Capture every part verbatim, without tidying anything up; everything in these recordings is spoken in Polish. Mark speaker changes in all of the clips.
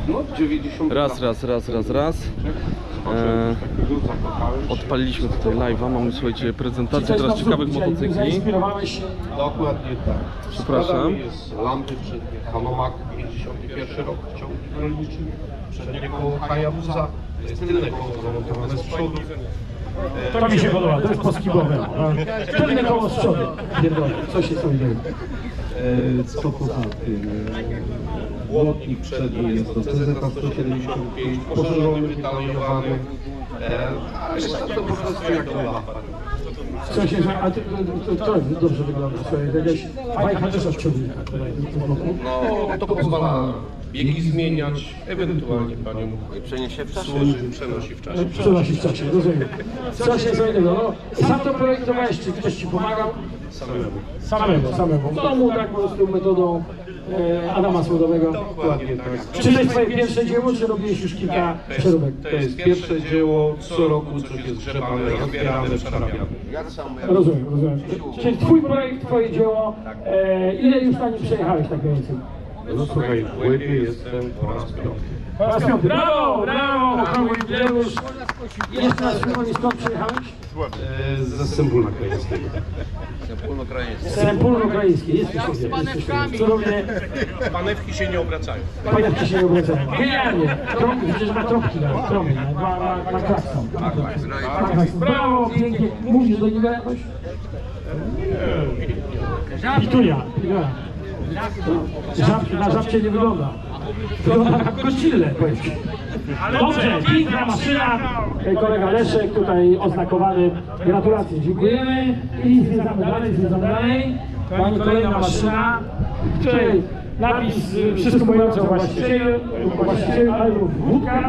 Speaker 1: No, dziewięćdziesiąt
Speaker 2: Raz, raz, raz, raz, raz. E, odpaliliśmy tutaj live'a, mamy, słuchajcie, prezentację teraz ciekawych motocykli.
Speaker 1: Dokładnie tak.
Speaker 2: Przepraszam.
Speaker 1: Jest lampy przednie Hanomag, pięćdziesiąty pierwszy rok, ciągnik rolniczy. Przednie koło Hayabusa, to jest tylne koło zamontowane z przodu.
Speaker 3: To mi się podoba, to jest poskibowe. Tylne koło z przodu. Pierdolę, co się sobie dzieje?
Speaker 1: Co poza tym? Błotnik przedni jest to C Z sto siedemdziesiąt pięć, poszerzony, wytalonowany. A reszta to po prostu jak to lapa.
Speaker 3: Co się, a ty, to, to, to dobrze wygląda, słuchaj, jakaś bajka też od przodu.
Speaker 1: No, to pozwala biegi zmieniać, ewentualnie panią
Speaker 4: Przeniesie w czasie.
Speaker 1: służy, przenosi w czasie.
Speaker 3: Przenosi w czasie, rozumiem. Co się co innego, no, sam to projektowałeś, czy ktoś ci pomagał?
Speaker 1: Samemu.
Speaker 3: Samego, samego. W domu, tak po prostu metodą e, Adama Słodowego.
Speaker 1: Dokładnie tak.
Speaker 3: Czy to jest twoje pierwsze dzieło, czy robiłeś już kilka przeróbek?
Speaker 1: To jest pierwsze dzieło, co roku coś jest grzebane, rozbierane, przerabiane.
Speaker 3: Rozumiem, rozumiem. Czyli twój projekt, twoje dzieło, e, ile już na nim przejechałeś tak więcej?
Speaker 1: No słuchaj, w łebie jestem po raz piąty.
Speaker 3: Po raz piąty. Brawo, brawo, brawo, jubileusz. Jeszcze raz przypomnij, skąd przyjechałeś?
Speaker 1: E, Ze Sępólna Krajeńskiego.
Speaker 3: Z Sępólno Ukraińskiej. Jesteś sobie. Cudownie.
Speaker 1: Panewki się nie obracają.
Speaker 3: Panewki się nie obracają. Genialnie. Trąbki, przecież ma trąbki na trąbki, na, na, na klakson. Brawo, pięknie. Mówisz do niego jakoś? Pitunia. Pitunia. Żab, na żabcie nie wygląda. Wygląda jak koścille, powiedz. Dobrze, piękna maszyna. Kolega Leszek tutaj oznakowany. Gratulacje, dziękujemy. I zwiedzamy dalej, zwiedzamy dalej. Pani kolejna maszyna, w której napis y, wszystko mówiące o właścicielu, o właścicielu, ale wódka.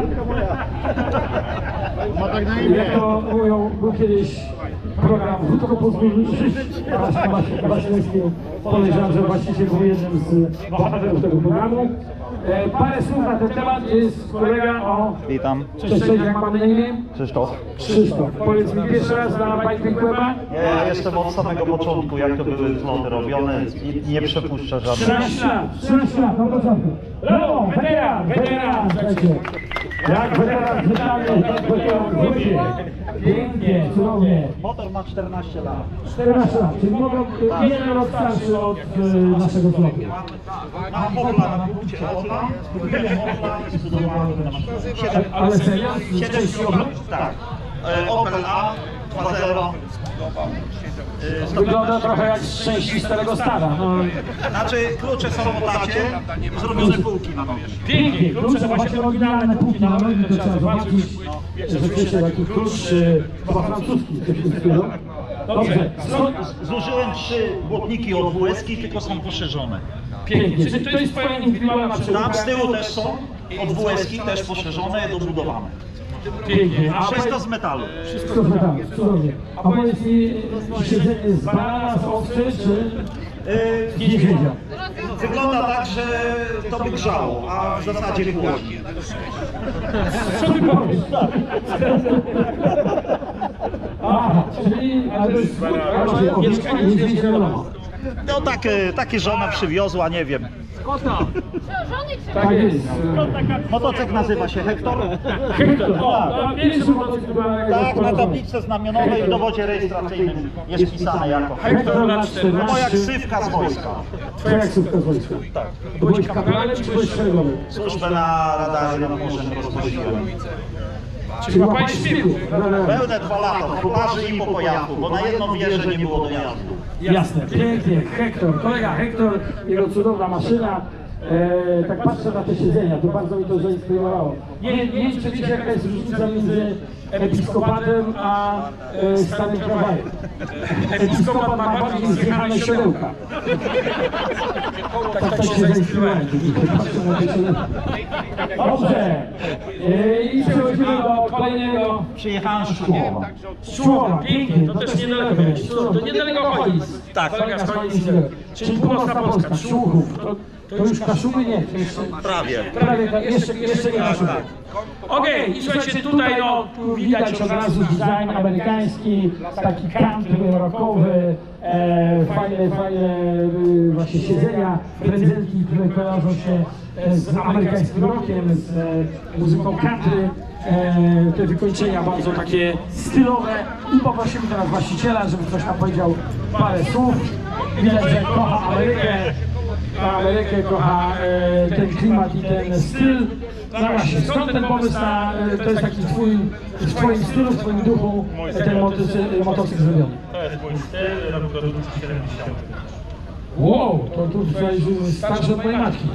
Speaker 3: Jak to mówią, był kiedyś program Wódko pozwól żyć. Wasilewski podejrzewam, że właściciel był jednym z bohaterów tego programu. E, parę słów na ten temat jest kolega o...
Speaker 5: Witam.
Speaker 3: Cześć, cześć, jak mamy na imię?
Speaker 5: Krzysztof.
Speaker 3: Krzysztof. Powiedz mi pierwszy raz na Bike Weba?
Speaker 5: Ja jestem od samego początku, jak to były zloty robione i nie przepuszczę żadnych.
Speaker 3: trzynaście lat, trzynaście lat, na początku. Brawo, weteran, weteran, słuchajcie. Jak weteran wydany, jak weteran wróci. Pięknie, cudownie.
Speaker 5: Motor ma czternaście lat.
Speaker 3: czternaście lat, czyli mogą jeden rok starszy od e, naszego flotu.
Speaker 5: Mam Opla na punkcie Opla, kupiłem Opla i zbudowałem ten maszynę.
Speaker 3: Ale serio? Z części Opla?
Speaker 5: Tak. E, Opel A dwa zero.
Speaker 3: Wygląda trochę jak z części starego stada. No.
Speaker 5: Znaczy klucze są w lacie, zrobione półki na nogi.
Speaker 3: Pięknie, klucze, właśnie oryginalne półki na nogi, to trzeba zobaczyć. Rzeczywiście taki klucz chyba francuski. Dobrze, skąd?
Speaker 5: Zużyłem trzy błotniki od W S ki, tylko są poszerzone.
Speaker 3: Pięknie, czyli to jest twoja indywidualna przeróbka?
Speaker 5: Tam z tyłu też są od W S ki, też poszerzone, dobudowane.
Speaker 3: Pięknie. A
Speaker 5: Wszystko z metalu.
Speaker 3: Wszystko z metalu, cudownie. A powiedz mi, siedzenie z banana, z owcy, czy z niedźwiedzia?
Speaker 5: Wygląda tak, że to by grzało, a w zasadzie chłodnie.
Speaker 3: Co ty powiesz? Aha, czyli, ale to jest owieczka i niedźwiedź wiadomo.
Speaker 5: No takie, takie żona przywiozła, nie wiem.
Speaker 3: Tak jest.
Speaker 5: Motocykl nazywa się Hektor.
Speaker 3: Hektor, o, pierwszy motocykl była
Speaker 5: Tak, na tablicy znamionowej w dowodzie rejestracyjnym jest pisane jako
Speaker 3: Hektor lat
Speaker 5: moja
Speaker 3: czternaście.
Speaker 5: ksywka z wojska.
Speaker 3: Twoja ksywka z wojska. Tak. Byłeś kapralem czy byłeś szeregowym?
Speaker 5: Służbę na radarze nad morzem rozwoziłem.
Speaker 3: Czyli łapałeś szpiegów.
Speaker 5: Pełne dwa lata, w Kumarzy i po Pojachu, bo na jedną wieżę nie było dojazdu.
Speaker 3: Jasne, pięknie. Hektor, kolega Hektor, jego cudowna maszyna. E, tak patrzę na te siedzenia, to bardzo mi to zainspirowało. Nie, nie wiem, czy wiecie, jaka jest różnica między episkopatem a e, stanym tramwajem. Episkopat ma bardziej zjechane siodełka. Tak, tak się zainspirowałem. Dobrze. E, I przechodzimy do kolejnego.
Speaker 5: Przyjechałem z Szkłowa.
Speaker 3: Szczułowa, pięknie, to też niedaleko miałeś. To niedaleko Cholic.
Speaker 5: Tak.
Speaker 3: Kolega z Cholic niedaleko. Czyli północna Polska, Szczłuchów. To, to już Kaszuby nie. To jeszcze,
Speaker 5: Prawie.
Speaker 3: prawie, tak, jeszcze, jeszcze nie Kaszuby. Okej, okay, i słuchajcie, tutaj no, tu widać od razu design amerykański, taki country rockowy, e, fajne, fajne e, właśnie siedzenia, prezenty, które kojarzą się e, z amerykańskim rockiem, z e, muzyką country. E, te wykończenia bardzo takie stylowe i poprosimy teraz właściciela, żeby ktoś nam powiedział parę słów. Widać, że kocha Amerykę, kocha Amerykę, kocha e, ten klimat i ten styl. No właśnie, skąd ten pomysł na, e, to jest taki twój, w twoim stylu, w twoim duchu e, ten motocykl, motocykl zrobiony?
Speaker 5: To jest mój styl, rok produkcji siedemdziesiąty.
Speaker 3: Wow, to tu tutaj starszy od mojej matki.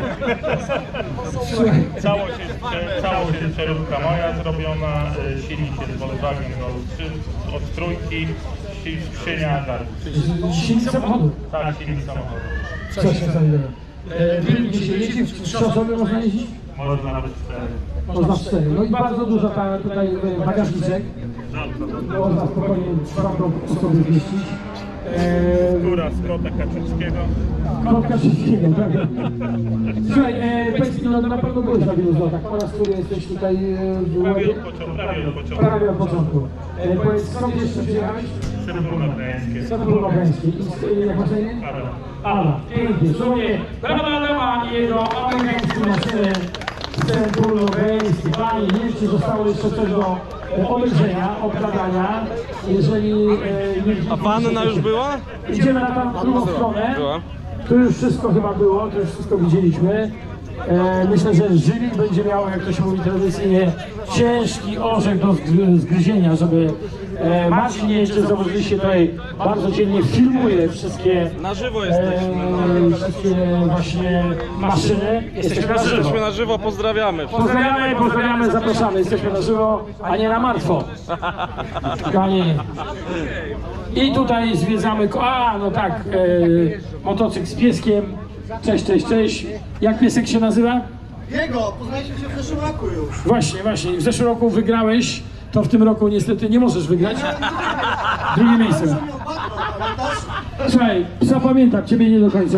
Speaker 3: Słuchaj.
Speaker 5: Całość jest, całość jest przeróbka moja zrobiona, y, silnik jest Volkswagen Golf trzy od trójki, si- skrzynia, tak.
Speaker 3: Silnik samochodu.
Speaker 5: Tak, silnik samochodu.
Speaker 3: Co się znajdzie? Gdzie się jeździ? W trzy osoby można jeździć?
Speaker 5: Można nawet cztery.
Speaker 3: Można w cztery. No i bardzo dużo ta, tutaj e, bagażniczek. Można spokojnie czwartą osobę zmieścić. E,
Speaker 5: Góra z kota Kaczyńskiego.
Speaker 3: Kotka wszystkiego, prawda? Słuchaj, e, powiedz mi, no na pewno byłeś na wielu zlotach. Po raz który jesteś tutaj e, w
Speaker 5: Prawie
Speaker 3: Łodzi?
Speaker 5: od początku. Prawie od początku.
Speaker 3: Prawie od początku. E, powiedz, skąd jeszcze przyjechałeś?
Speaker 5: Srebrno Gdańskie.
Speaker 3: Z Republikańskiej. I jak masz na imię?
Speaker 5: Adam.
Speaker 3: Ala, pięknie. Słuchaj, brawa Adama i jego amerykańskie maszyny. Republikańskie. Panie, nie wiem, czy zostało jeszcze coś do e, obejrzenia, obgadania. Jeżeli e, nie widzieliście,
Speaker 2: A panna już była?
Speaker 3: idziemy na tam drugą stronę.
Speaker 2: Była.
Speaker 3: Tu już wszystko chyba było, tu już wszystko widzieliśmy. E, myślę, że jury będzie miało, jak to się mówi tradycyjnie, ciężki orzech do zgry- zgryzienia, żeby e, Marcin nie jeszcze zauważyliście tutaj bardzo dzielnie filmuje wszystkie,
Speaker 2: Na żywo
Speaker 3: e,
Speaker 2: jesteśmy.
Speaker 3: wszystkie właśnie maszyny. Jesteśmy na żywo.
Speaker 2: Jesteśmy na żywo, pozdrawiamy.
Speaker 3: Pozdrawiamy, pozdrawiamy, zapraszamy. Jesteśmy na żywo, a nie na martwo. Kochani. I tutaj zwiedzamy, ko- a no tak, e, motocykl z pieskiem. Cześć, cześć, cześć. Jak piesek się nazywa?
Speaker 4: Jego, poznaliśmy się w zeszłym roku już.
Speaker 3: Właśnie, właśnie. W zeszłym roku wygrałeś, to w tym roku niestety nie możesz wygrać. Drugie miejsce.
Speaker 4: Pamiętasz?
Speaker 3: Słuchaj, zapamiętam ciebie nie do końca.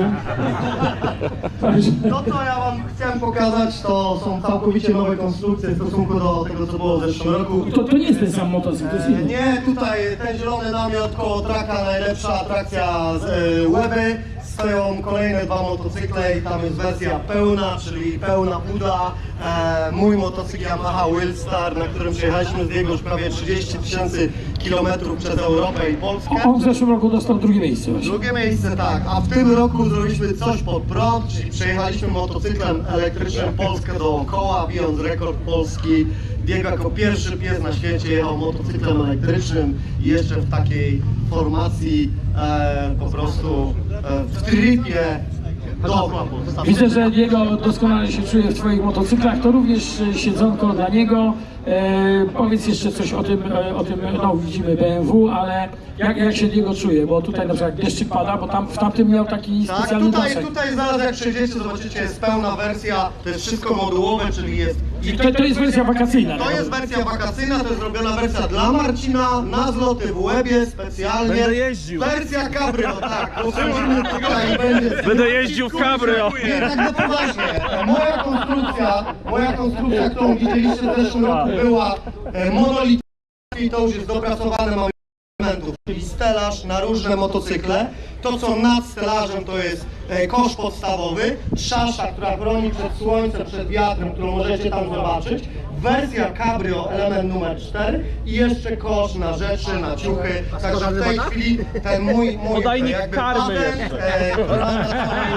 Speaker 3: Także-
Speaker 4: To, co ja wam chciałem pokazać, to są całkowicie nowe konstrukcje w stosunku do tego, co było w zeszłym roku.
Speaker 3: To, to nie jest ten sam motocykl, to jest
Speaker 4: E,
Speaker 3: inny.
Speaker 4: Nie, tutaj ten zielony namiot koło traka, najlepsza atrakcja z e, Łeby. Stoją kolejne dwa motocykle i tam jest wersja pełna, czyli pełna buda. E, mój motocykl Yamaha Wildstar, na którym przejechaliśmy z niego już prawie trzydzieści tysięcy kilometrów przez Europę i Polskę.
Speaker 3: On w zeszłym roku dostał drugie miejsce właśnie.
Speaker 4: Drugie miejsce, tak, a w tym roku zrobiliśmy coś pod prąd, czyli przejechaliśmy motocyklem elektrycznym Polskę dookoła, bijąc rekord Polski. Diego jako pierwszy pies na świecie jechał motocyklem elektrycznym i jeszcze w takiej formacji e, po prostu e, w tripie dookoła Polski.
Speaker 3: Widzę, że Diego doskonale się czuje w twoich motocyklach, to również e, siedzonko dla niego. E, powiedz jeszcze coś o tym, e, o tym, no widzimy B M W, ale jak, jak się Diego czuje, bo tutaj na przykład deszczyk pada, bo tam w tamtym miał taki
Speaker 4: Tak,
Speaker 3: specjalny
Speaker 4: tutaj,
Speaker 3: daszek.
Speaker 4: tutaj zaraz jak przejdziecie, zobaczycie, jest pełna wersja, to jest wszystko modułowe, czyli jest...
Speaker 3: I to, to jest wersja wakacyjna.
Speaker 4: To
Speaker 3: tak?
Speaker 4: jest wersja wakacyjna, to jest zrobiona wersja dla Marcina, na zloty w Łebie specjalnie.
Speaker 2: Będę jeździł.
Speaker 4: Wersja cabrio, tak. Usłyszymy tutaj będzie.
Speaker 2: Będę jeździł w cabrio.
Speaker 4: Nie, tak na poważnie. Moja konstrukcja, moja konstrukcja, którą widzieliście w zeszłym roku, była e, monolityczna i to już jest dopracowane, mamy elementów, czyli stelaż na różne motocykle. To, co nad stelażem, to jest e, kosz podstawowy, szasza, która chroni przed słońcem, przed wiatrem, którą możecie tam zobaczyć. Wersja cabrio, element numer cztery i jeszcze kosz na rzeczy, na ciuchy. Także w tej chwili ten mój, mój
Speaker 2: Podajnik
Speaker 4: jakby
Speaker 2: karmy
Speaker 4: patent,
Speaker 2: jeszcze.
Speaker 4: e, który mam na swojej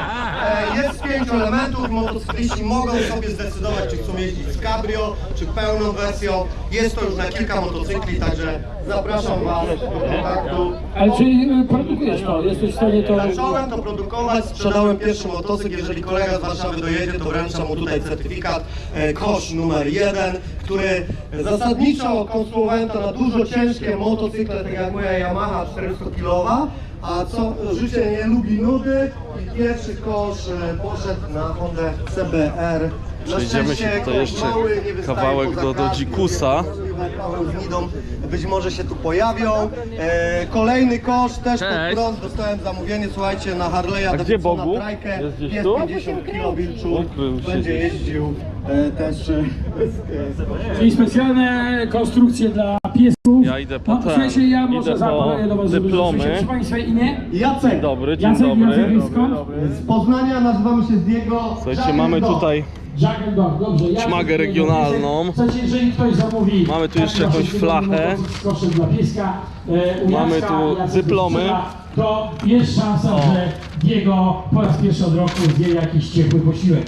Speaker 4: e, jest z pięciu elementów. Motocykliści mogą sobie zdecydować, czy chcą jeździć z cabrio, czy pełną wersją. Jest to już na kilka motocykli, także zapraszam Was do kontaktu.
Speaker 3: Ale czyli e, produkujesz to, jesteś w stanie to...
Speaker 4: Zacząłem to produkować, sprzedałem pierwszy motocykl, jeżeli kolega z Warszawy dojedzie, to wręczam mu tutaj certyfikat e, kosz numer jeden, który zasadniczo konstruowałem to na dużo ciężkie motocykle, tak jak moja Yamaha czterystokilowa, a co życie nie lubi nudy i pierwszy kosz e, poszedł na Hondę C B R. Na
Speaker 2: Przejdziemy się
Speaker 4: szczęście
Speaker 2: tutaj jeszcze
Speaker 4: mały, nie wystaje
Speaker 2: kawałek
Speaker 4: poza
Speaker 2: do- do
Speaker 4: kratki,
Speaker 2: Dzikusa.
Speaker 4: Paweł z Nidą być może się tu pojawią. E, kolejny kosz też pod
Speaker 2: Cześć.
Speaker 4: prąd, dostałem zamówienie, słuchajcie, na Harley'a
Speaker 2: A gdzie
Speaker 4: Davidsona
Speaker 2: Bogu?
Speaker 4: Trajkę.
Speaker 2: Jest gdzieś
Speaker 4: Jest
Speaker 2: tu?
Speaker 4: pięćdziesiąt kilo wilczu,
Speaker 2: Ukrył się
Speaker 4: będzie
Speaker 2: gdzieś.
Speaker 4: jeździł e, też e, bez, e,
Speaker 3: Czyli specjalne konstrukcje dla piesków.
Speaker 2: Ja idę po
Speaker 3: No,
Speaker 2: ten,
Speaker 3: słuchajcie, ja może
Speaker 2: idę po
Speaker 3: zaapeluję do was, żeby
Speaker 2: dyplomy.
Speaker 3: żebyście- Proszę Państwa, imię?
Speaker 4: Jacek.
Speaker 2: Dzień dobry, dzień
Speaker 3: Jacek,
Speaker 2: dobry.
Speaker 3: Jacek, skąd?
Speaker 4: Z Poznania, nazywamy się Diego.
Speaker 2: Słuchajcie, mamy tutaj
Speaker 3: Jack and Dog, dobrze. Ja
Speaker 2: Szmagę regionalną.
Speaker 3: Słuchajcie, jeżeli ktoś zamówi...
Speaker 2: Mamy tu jeszcze jakąś flachę.
Speaker 3: Z koszem dla pieska, e, u
Speaker 2: Mamy
Speaker 3: Jacka,
Speaker 2: tu
Speaker 3: Jacek
Speaker 2: dyplomy.
Speaker 3: strzela, To jest szansa, że Diego po raz pierwszy od roku zje jakiś ciepły posiłek.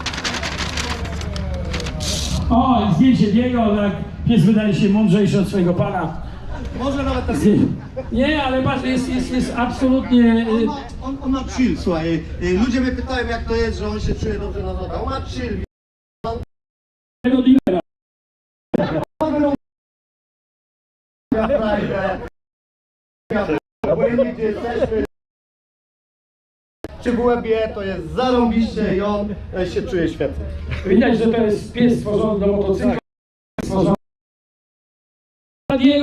Speaker 3: O, i zdjęcie Diego, tak, pies wydaje się mądrzejszy od swojego pana.
Speaker 4: Może nawet tak.
Speaker 3: Nie, ale patrz, jest, jest, jest absolutnie...
Speaker 4: On
Speaker 3: y,
Speaker 4: ma, on, on ma chill, słuchaj. y, Ludzie mnie pytają, jak to jest, że on się czuje dobrze na nogach. On ma chill.
Speaker 3: tego dealera.
Speaker 4: Obojętnie gdzie jesteśmy. Czy w łebie, to jest zarąbiście i on e, się czuje świetnie.
Speaker 3: Widać, że to jest pies stworzony do motocykla. Stworzony dla Diego.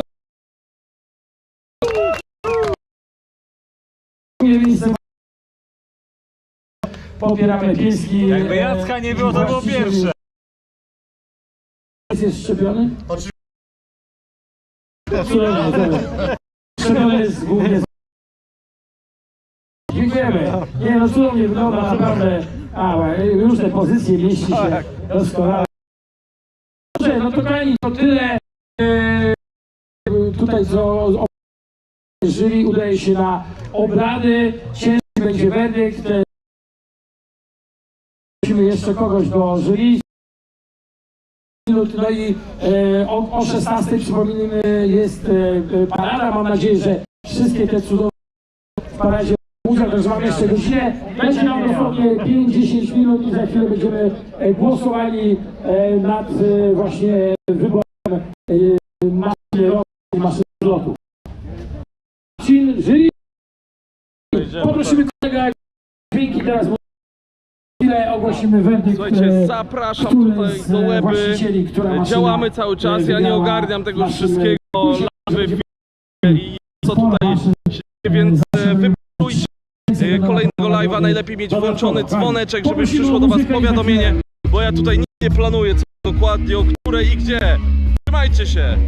Speaker 3: Popieramy pieski.
Speaker 6: Jakby Jacka nie było, to było pierwsze.
Speaker 3: Pies jest szczepiony?
Speaker 4: Oczywiście.
Speaker 3: Szczepiony jest głównie z... Dziękujemy. Nie no, cudownie wygląda naprawdę. A, różne pozycje mieści się doskonale. Dobrze, no to kochani, to tyle. E, tutaj co o- jury udaje się na obrady. Ciężki będzie werdykt. E, Prosimy jeszcze kogoś do jury. No i e, o, o szesnastej przypominamy jest e, parada. Mam nadzieję, że wszystkie te cudowne w paradzie udział, także mamy jeszcze godzinę. Będzie nam dosłownie pięć do dziesięciu minut i za chwilę będziemy e, głosowali e, nad e, właśnie wyborem e, maszyny roweru i maszyny lotu. Maszyn, jury. Poprosimy kolega dźwięki teraz. Chwilę ogłosimy werdykt.
Speaker 2: Słuchajcie,
Speaker 3: e,
Speaker 2: zapraszam
Speaker 3: który
Speaker 2: tutaj
Speaker 3: z,
Speaker 2: do
Speaker 3: e,
Speaker 2: Łeby.
Speaker 3: właścicieli, która maszyna,
Speaker 2: Działamy cały czas,
Speaker 3: e,
Speaker 2: ja nie
Speaker 3: wygrała
Speaker 2: ogarniam tego
Speaker 3: maszynę.
Speaker 2: wszystkiego. Live, i co tutaj się dzieje, więc e, wypróbujcie e, kolejnego live'a. Najlepiej mieć włączony dzwoneczek, żeby przyszło do was powiadomienie, bo ja tutaj nic nie planuję, co dokładnie, o której i gdzie. Trzymajcie się!